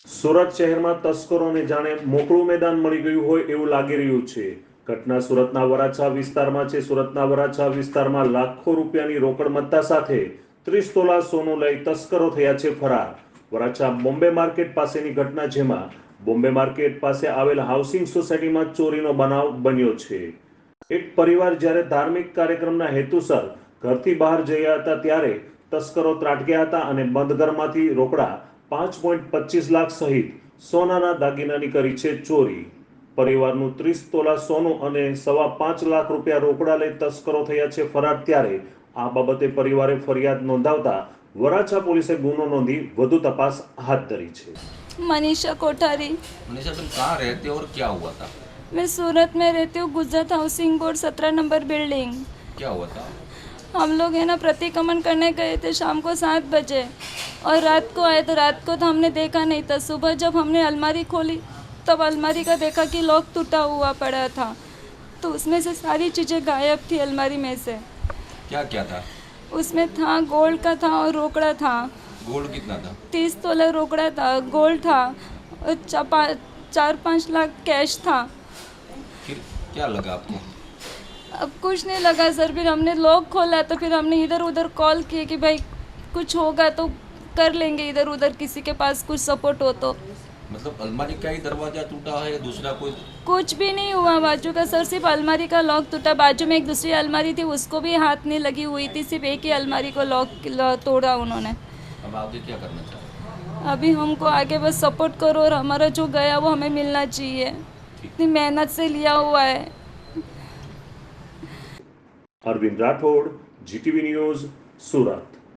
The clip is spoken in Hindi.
સુરત શહેરમાં તસ્કરોને જાણે મોકળું મેદાન મળી ગયું હોય એવું લાગી રહ્યું છે। ઘટના સુરતના વરાછા વિસ્તારમાં છે। સુરતના વરાછા વિસ્તારમાં લાખો રૂપિયાની રોકડ મત્તા સાથે 30 તોલા સોનું લઈ તસ્કરો થયા છે ફરાર। વરાછા બોમ્બે માર્કેટ પાસેની ઘટના, જેમાં બોમ્બે માર્કેટ પાસે આવેલ હાઉસિંગ સોસાયટીમાં ચોરીનો બનાવ બન્યો છે। એક પરિવાર જ્યારે ધાર્મિક કાર્યક્રમના હેતુસર ઘરથી બહાર જયા હતા ત્યારે તસ્કરો ત્રાટક્યા હતા અને બંધ ઘરમાંથી રોકડા 5.25 લાખ સહિત સોનાના દાગીનાની કરી છે ચોરી। પરિવારનું 30 તોલા સોનું અને 5.25 લાખ રૂપિયા રોકડા લઈ તસ્કરો થયા છે ફરાર। ત્યારે આ બાબતે પરિવારે ફરિયાદ નોંધાવતા વરાછા પોલીસે ગુનો નોંધી વધુ તપાસ હાથ ધરી છે। मनीषा कोठारी। मनीषा, तुम कहाँ रहते हो और क्या हुआ था? मैं सूरत में रहती हूँ, Gujarat housing board 17 number building. क्या हुआ था? हम लोग है ना प्रतिक्रमण करने गए थे शाम को 7 बजे और रात को आए, तो रात को तो हमने देखा नहीं था। सुबह जब हमने अलमारी खोली तब अलमारी का देखा कि लॉक टूटा हुआ पड़ा था, तो उसमें से सारी चीज़ें गायब थी अलमारी में से। क्या क्या था उसमें था गोल्ड का था और रोकड़ा था। गोल्ड कितना था? 30 तोला रोकड़ा था, गोल्ड था और 4-5 लाख कैश था। फिर क्या लगा आपको? अब कुछ नहीं लगा सर। फिर हमने लॉक खोला तो फिर हमने इधर उधर कॉल किए कि भाई कुछ होगा तो कर लेंगे, इधर उधर किसी के पास कुछ सपोर्ट हो तो। मतलब अलमारी का ही दरवाजा टूटा है या दूसरा कोई? कुछ भी नहीं हुआ बाजू का सर, सिर्फ अलमारी का लॉक टूटा। बाजू में एक दूसरी अलमारी थी, उसको भी हाथ नहीं लगी हुई थी, सिर्फ एक ही अलमारी को लॉक तोड़ा उन्होंने। अब आगे क्या करना चाहते? अभी हमको आगे बस सपोर्ट करो और हमारा जो गया वो हमें मिलना चाहिए, इतनी मेहनत से लिया हुआ है। अरविंद राठौड़, GTV न्यूज़, सूरत।